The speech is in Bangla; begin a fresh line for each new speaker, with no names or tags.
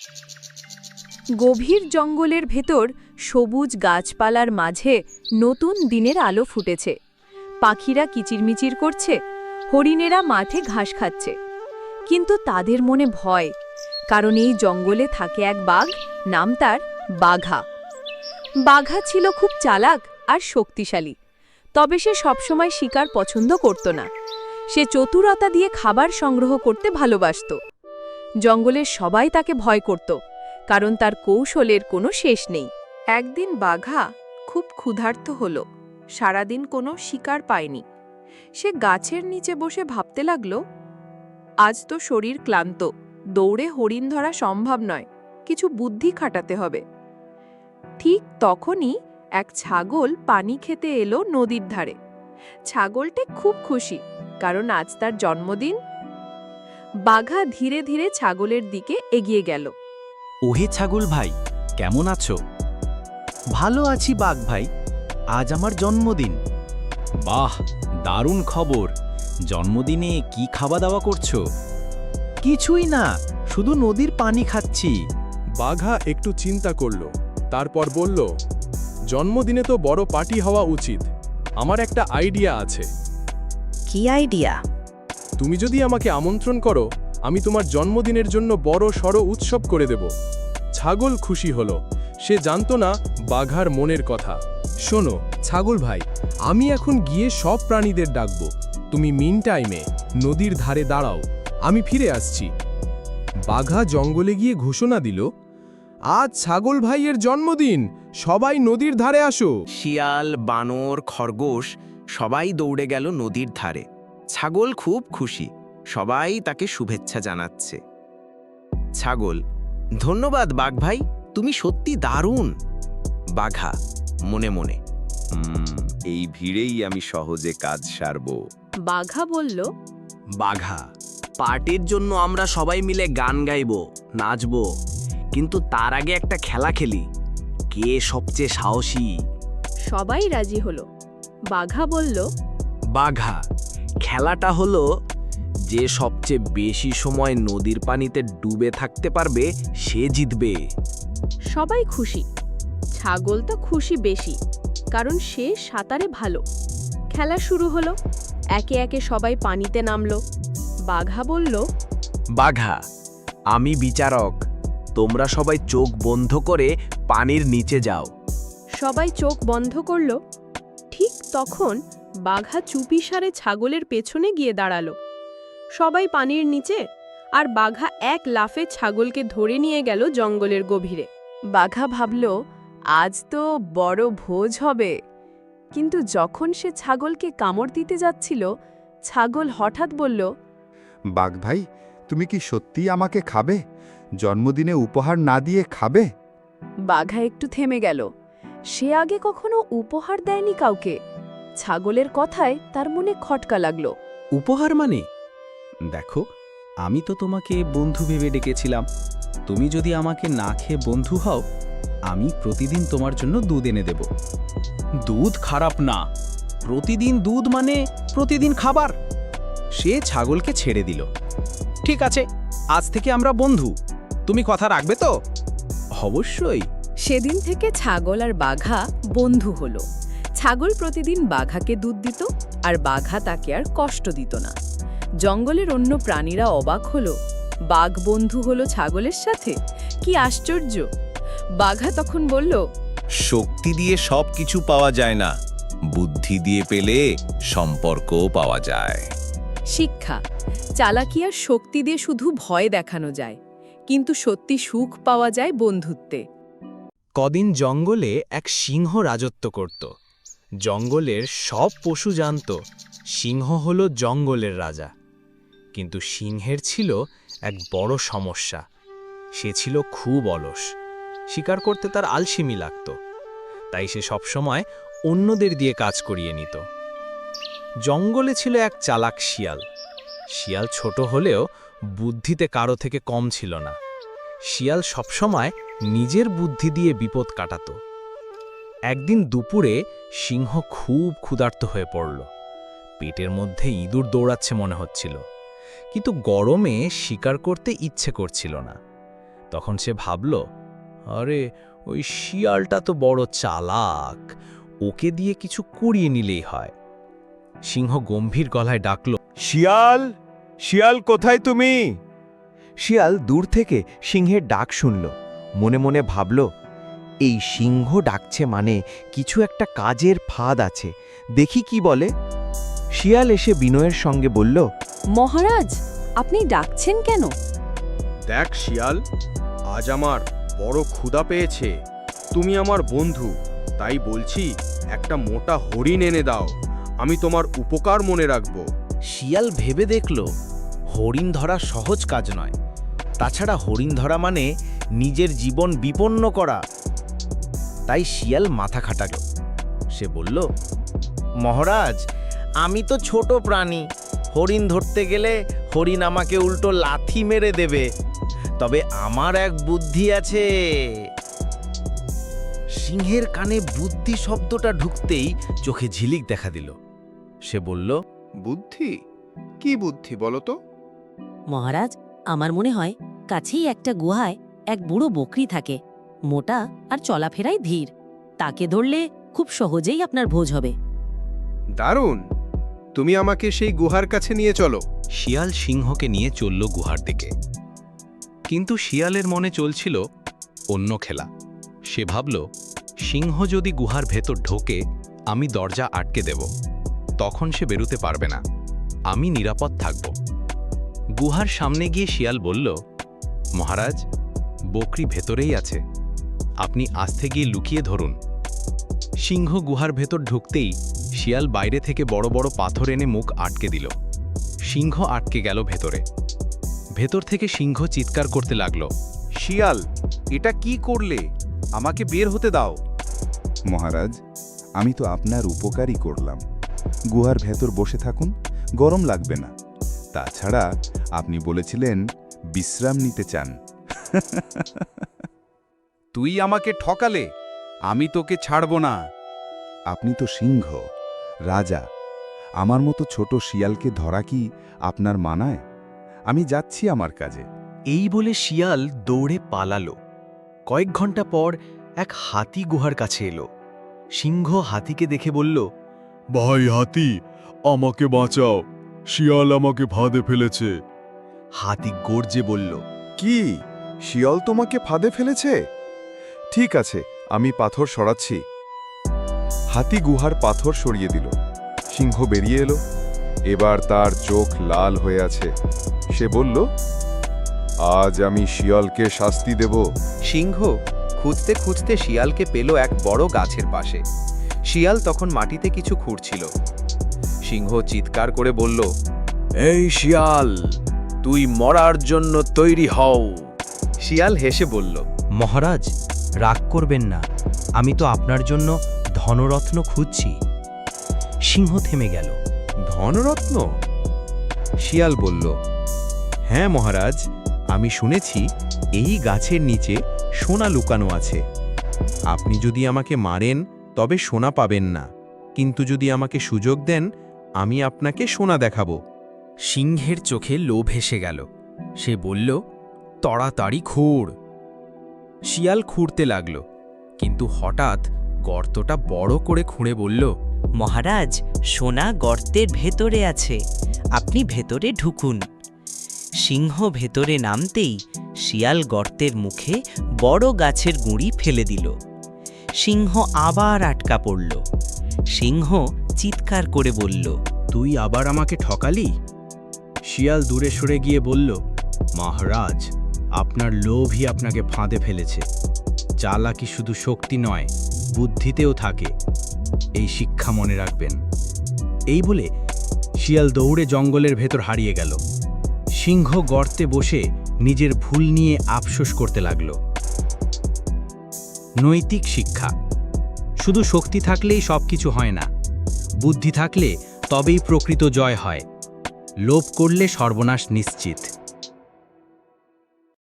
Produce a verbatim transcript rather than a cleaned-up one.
গভীর জঙ্গলের ভেতর সবুজ গাছপালার মাঝে নতুন দিনের আলো ফুটেছে। পাখিরা কিচিরমিচির করছে, হরিণেরা মাঠে ঘাস খাচ্ছে। কিন্তু তাদের মনে ভয়, কারণ এই জঙ্গলে থাকে এক বাঘ, নাম তার বাঘা। বাঘা ছিল খুব চালাক আর শক্তিশালী, তবে সে সবসময় শিকার পছন্দ করত না। সে চতুরতা দিয়ে খাবার সংগ্রহ করতে ভালোবাসত। জঙ্গলের সবাই তাকে ভয় করত, কারণ তার কৌশলের কোনো শেষ নেই। একদিন বাঘা খুব ক্ষুধার্ত হল, সারাদিন কোনো শিকার পায়নি। সে গাছের নিচে বসে ভাবতে লাগল, আজ তো শরীর ক্লান্ত, দৌড়ে হরিণ ধরা সম্ভব নয়, কিছু বুদ্ধি খাটাতে হবে। ঠিক তখনই এক ছাগল পানি খেতে এলো নদীর ধারে। ছাগলটি খুব খুশি, কারণ আজ তার জন্মদিন। বাঘা ধীরে ধীরে ছাগলের দিকে এগিয়ে গেল।
ওহে ছাগল ভাই, কেমন আছো? ভালো আছি বাঘ ভাই, আজ আমার জন্মদিন। বাহ, দারুণ খবর। জন্মদিনে কি খাওয়া দাওয়া করছো? কিছুই না, শুধু নদীর পানি খাচ্ছি।
বাঘা একটু চিন্তা করল, তারপর বলল, জন্মদিনে তো বড় পার্টি হওয়া উচিত। আমার একটা আইডিয়া আছে।
কি আইডিয়া?
তুমি যদি আমাকে আমন্ত্রণ করো, আমি তোমার জন্মদিনের জন্য বড় সড় উৎসব করে দেব। ছাগল খুশি হলো, সে জানতো না বাঘার মনের কথা। শোনো ছাগল ভাই, আমি এখন গিয়ে সব প্রাণীদের ডাকবো। তুমি মিন টাইমে নদীর ধারে দাঁড়াও, আমি ফিরে আসছি। বাঘা জঙ্গলে গিয়ে ঘোষণা দিল, আজ ছাগল ভাইয়ের জন্মদিন, সবাই নদীর ধারে আসো।
শিয়াল, বানর, খরগোশ সবাই দৌড়ে গেল নদীর ধারে। ছাগল খুব খুশি, সবাই তাকে শুভেচ্ছা জানাচ্ছে। ছাগল, ধন্যবাদ বাঘ ভাই, তুমি সত্যি দারুণ। বাঘা মনে মনে, "হুম, এই ভিড়েই আমি সহজে কাজ সারব।"
বাঘা বলল,
বাঘা, পার্টির জন্য আমরা সবাই মিলে গান গাইব, নাচব, কিন্তু তার আগে একটা খেলা খেলি। কে সবচেয়ে সাহসী?
সবাই রাজি হলো। বাঘা বলল,
বাঘা, খেলাটা হলো যে সবচেয়ে বেশি সময় নদীর পানিতে ডুবে থাকতে পারবে সে জিতবে।
সবাই খুশি। ছাগল তো খুশি বেশি, কারণ সে সাঁতারে ভালো। খেলা শুরু হলো, একে একে সবাই পানিতে নামলো। বাঘা বলল,
বাঘা, আমি বিচারক, তোমরা সবাই চোখ বন্ধ করে পানির নিচে যাও।
সবাই চোখ বন্ধ করল। ঠিক তখন বাঘা চুপিসারে ছাগলের পেছনে গিয়ে দাঁড়ালো। সবাই পানির নিচে, আর বাঘা এক লাফে ছাগলকে ধরে নিয়ে গেল জঙ্গলের গভীরে। বাঘা ভাবল, আজ তো বড় ভোজ হবে। কিন্তু যখন সে ছাগলকে কামড় দিতে যাচ্ছিল, ছাগল হঠাৎ বলল,
বাঘ ভাই, তুমি কি সত্যিই আমাকে খাবে? জন্মদিনে উপহার না দিয়ে খাবে?
বাঘা একটু থেমে গেল। সে আগে কখনো উপহার দেয়নি কাউকে। ছাগলের কথায় তার মনে খটকা লাগলো।
উপহার মানে? দেখো, আমি তো তোমাকে বন্ধু ভেবে ডেকেছিলাম। তুমি যদি আমাকে না খেয়ে বন্ধু হও, আমি প্রতিদিন তোমার জন্য দুধ এনে দেব। দুধ খারাপ না, প্রতিদিন দুধ মানে প্রতিদিন খাবার। সে ছাগলকে ছেড়ে দিল। ঠিক আছে, আজ থেকে আমরা বন্ধু। তুমি কথা রাখবে তো? অবশ্যই।
সেদিন থেকে ছাগল আর বাঘা বন্ধু হলো। ছাগল প্রতিদিন বাঘাকে দুধ দিত, আর বাঘা তাকে আর কষ্ট দিত না। জঙ্গলের অন্য প্রাণীরা অবাক হলো, বাঘ বন্ধু হলো ছাগলের সাথে, কি আশ্চর্য। বাঘা তখন বলল,
শক্তি দিয়ে সব কিছু পাওয়া যায় না, বুদ্ধি দিয়ে পেলে সম্পর্কও পাওয়া যায়।
শিক্ষা, চালাকি আর শক্তি দিয়ে শুধু ভয় দেখানো যায়, কিন্তু সত্যি সুখ পাওয়া যায় বন্ধুত্বে।
কদিন জঙ্গলে এক সিংহ রাজত্ব করত। জঙ্গলের সব পশু জানত সিংহ হলো জঙ্গলের রাজা। কিন্তু সিংহের ছিল এক বড় সমস্যা, সে ছিল খুব অলস। শিকার করতে তার আলসেমি লাগত, তাই সে সবসময় অন্যদের দিয়ে কাজ করিয়ে নিত। জঙ্গলে ছিল এক চালাক শিয়াল। শিয়াল ছোট হলেও বুদ্ধিতে কারো থেকে কম ছিল না। শিয়াল সবসময় নিজের বুদ্ধি দিয়ে বিপদ কাটাত। একদিন দুপুরে সিংহ খুব ক্ষুধার্ত হয়ে পড়ল। পেটের মধ্যে ইঁদুর দৌড়াচ্ছে মনে হচ্ছিল, কিন্তু গরমে শিকার করতে ইচ্ছে করছিল না। তখন সে ভাবল, আরে ওই শিয়ালটা তো বড় চালাক, ওকে দিয়ে কিছু করিয়ে নিলেই হয়। সিংহ গম্ভীর গলায় ডাকল,
শিয়াল, শিয়াল কোথায় তুমি? শিয়াল দূর থেকে সিংহের ডাক শুনল। মনে মনে ভাবল, এই সিংহ ডাকছে মানে কিছু একটা কাজের ফাঁদ আছে, দেখি কি বলে। শিয়াল এসে বিনয়ের সঙ্গে বলল,
মহারাজ, আপনি ডাকছেন কেন?
দেখ শিয়াল, আজ আমার বড় ক্ষুধা পেয়েছে। তুমি আমার বন্ধু, তাই বলছি একটা মোটা হরিণ এনে দাও, আমি তোমার উপকার মনে রাখব।
শিয়াল ভেবে দেখল হরিণ ধরা সহজ কাজ নয়, তাছাড়া হরিণ ধরা মানে নিজের জীবন বিপন্ন করা। তাই শিয়াল মাথা খাটাল। সে বলল, মহারাজ, আমি তো ছোট প্রাণী, হরিণ ধরতে গেলে হরিণ আমাকে উল্টো লাথি মেরে দেবে। তবে আমার এক বুদ্ধি আছে। সিংহের কানে বুদ্ধি শব্দটা ঢুকতেই চোখে ঝিলিক দেখা দিল। সে বলল,
বুদ্ধি? কি বুদ্ধি বলো তো?
মহারাজ, আমার মনে হয় কাছেই একটা গুহায় এক বুড়ো বকরি থাকে, মোটা আর চলাফেরায় ধীর। তাকে ধরলে খুব সহজেই আপনার ভোজ হবে।
দারুণ! তুমি আমাকে সেই গুহার কাছে নিয়ে চলো।
শিয়াল সিংহকে নিয়ে চলল গুহার দিকে। কিন্তু শিয়ালের মনে চলছিল অন্য খেলা। সে ভাবল, সিংহ যদি গুহার ভেতর ঢোকে, আমি দরজা আটকে দেব, তখন সে বেরুতে পারবে না, আমি নিরাপদ থাকব। গুহার সামনে গিয়ে শিয়াল বলল, মহারাজ, বকরি ভেতরেই আছে, আপনি আস্তে গিয়ে লুকিয়ে ধরুন। সিংহ গুহার ভেতর ঢুকতেই শিয়াল বাইরে থেকে বড় বড় পাথর এনে মুখ আটকে দিল। সিংহ আটকে গেল ভেতরে। ভেতর থেকে সিংহ চিৎকার করতে লাগল,
শিয়াল, এটা কি করলে? আমাকে বের হতে দাও।
মহারাজ, আমি তো আপনার উপকারই করলাম। গুহার ভেতর বসে থাকুন, গরম লাগবে না। তাছাড়া আপনি বলেছিলেন বিশ্রাম নিতে চান।
তুই আমাকে ঠকালে, আমি তোকে ছাড়ব না।
আপনি তো সিংহ, রাজা। আমার মতো ছোট শিয়ালকে ধরা কি আপনার মানায়? আমি যাচ্ছি আমার কাজে।
এই বলে শিয়াল দৌড়ে পালালো। কয়েক ঘন্টা পর এক হাতি গুহার কাছে এলো। সিংহ হাতিকে দেখে বলল,
ভাই হাতি, আমাকে বাঁচাও, শিয়াল আমাকে ফাঁদে ফেলেছে।
হাতি গর্জে বলল,
কি, শিয়াল তোমাকে ফাঁদে ফেলেছে? ঠিক আছে, আমি পাথর সরাচ্ছি। হাতি গুহার পাথর সরিয়ে দিল। সিংহ বেরিয়ে এলো। এবার তার চোখ লাল হয়ে আছে। সে বলল, আজ আমি শিয়ালকে শাস্তি দেব।
সিংহ খুঁজতে খুঁজতে শিয়ালকে পেল এক বড় গাছের পাশে। শিয়াল তখন মাটিতে কিছু খুঁড়ছিল। সিংহ চিৎকার করে বলল,
এই শিয়াল, তুই মরার জন্য তৈরি হও।
শিয়াল হেসে বলল,
মহারাজ, রাগ করবেন না, আমি তো আপনার জন্য ধনরত্ন খুঁজছি। সিংহ থেমে গেল।
ধনরত্ন? শিয়াল বলল, হ্যাঁ মহারাজ, আমি শুনেছি এই গাছের নিচে সোনা লুকানো আছে। আপনি যদি আমাকে মারেন তবে সোনা পাবেন না, কিন্তু যদি আমাকে সুযোগ দেন, আমি আপনাকে সোনা দেখাবো।
সিংহের চোখে লোভ এসে গেল। সে বলল, তাড়াতাড়ি খুঁড়। শিয়াল খুঁড়তে লাগল, কিন্তু হঠাৎ গর্তটা বড় করে খুঁড়ে বলল,
মহারাজ, সোনা গর্তের ভেতরে আছে, আপনি ভেতরে ঢুকুন। সিংহ ভেতরে নামতেই শিয়াল গর্তের মুখে বড় গাছের গুঁড়ি ফেলে দিল। সিংহ আবার আটকা পড়ল। সিংহ চিৎকার করে বলল,
তুই আবার আমাকে ঠকালি? শিয়াল দূরে সরে গিয়ে বলল, মহারাজ, আপনার লোভই আপনাকে ফাঁদে ফেলেছে। চালাকি শুধু শক্তি নয়, বুদ্ধিতেও থাকে, এই শিক্ষা মনে রাখবেন। এই বলে শিয়াল দৌড়ে জঙ্গলের ভেতর হারিয়ে গেল। সিংহ গর্তে বসে নিজের ভুল নিয়ে আফসোস করতে লাগল। নৈতিক শিক্ষা: শুধু শক্তি থাকলেই সবকিছু হয় না, বুদ্ধি থাকলে তবেই প্রকৃত জয় হয়। লোভ করলে সর্বনাশ নিশ্চিত।